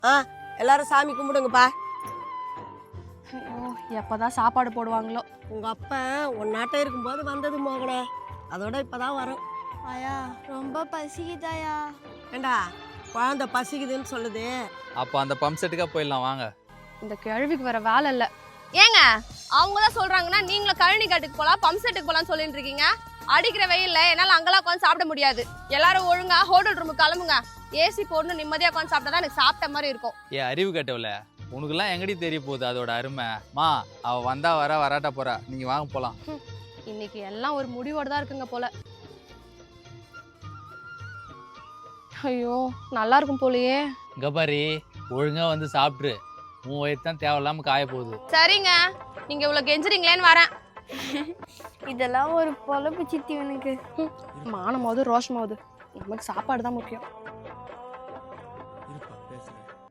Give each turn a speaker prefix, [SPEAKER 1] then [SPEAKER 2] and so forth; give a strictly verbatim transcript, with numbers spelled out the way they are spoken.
[SPEAKER 1] ஆ எல்லாரும் சாமி கும்பிடுங்கப்பா.
[SPEAKER 2] ஐயோ எப்பதான் சாப்பாடு போடுவாங்களோ.
[SPEAKER 1] உங்க அப்பா உன் நாட்டை இருக்கும்போது வந்தது மோகனே, அதோட இப்பதான் வரும்.
[SPEAKER 3] ஆயா ரொம்ப பசிக்குதாயா.
[SPEAKER 1] ஏண்டா குழந்தை பசிக்குதுன்னு சொல்லுது.
[SPEAKER 4] அப்போ அந்த பம்ப் செட்டுக்கா போயிடலாம் வாங்க.
[SPEAKER 2] இந்த கிழவிக்கு வேற வேலை இல்ல.
[SPEAKER 5] ஏங்க அவங்க தான் சொல்றாங்கன்னா நீங்களும் கழனி காட்டுக்கு போலாம் பம்ப் செட்டுக்கு போலாம் சொல்லிட்டு இருக்கீங்க. அடிக்கிற வெயில்ல என்னால அங்கெல்லாம் உட்காந்து சாப்பிட முடியாது. எல்லாரும் ஒழுங்கா ஹோட்டல் ரூமுக்கு கிளம்புங்க. ஏசி போடணும் நிம்மதியா உட்காந்து சாப்பிட்டா தான் எனக்கு சாப்பிட்ட மாதிரி இருக்கும்.
[SPEAKER 4] ஏ அறிவு கட்டவில்ல, உனக்குலாம் எங்கடி தெரிய போகுது அதோட அருமை. மா அவ வந்தா வர வராட்டா போறா, நீங்க வாங்க போலாம்.
[SPEAKER 2] இன்னைக்கு எல்லாம் ஒரு முடிவோட தான் இருக்குங்க போல. ஐயோ நல்லா இருக்கும் போலயே.
[SPEAKER 4] இங்க பாரு, ஒழுங்கா வந்து சாப்பிட்டுரு. உன் வயிறு தான் தேவையில்லாம காய போகுது.
[SPEAKER 5] சரிங்க, நீங்க இவ்வளவு கெஞ்சுறீங்களேன்னு வரேன்.
[SPEAKER 3] இதெல்லாம் ஒரு பொழப்பு சித்தி எனக்கு.
[SPEAKER 2] மானமாவது ரோஷமாவது நமக்கு சாப்பாடு தான் முக்கியம்.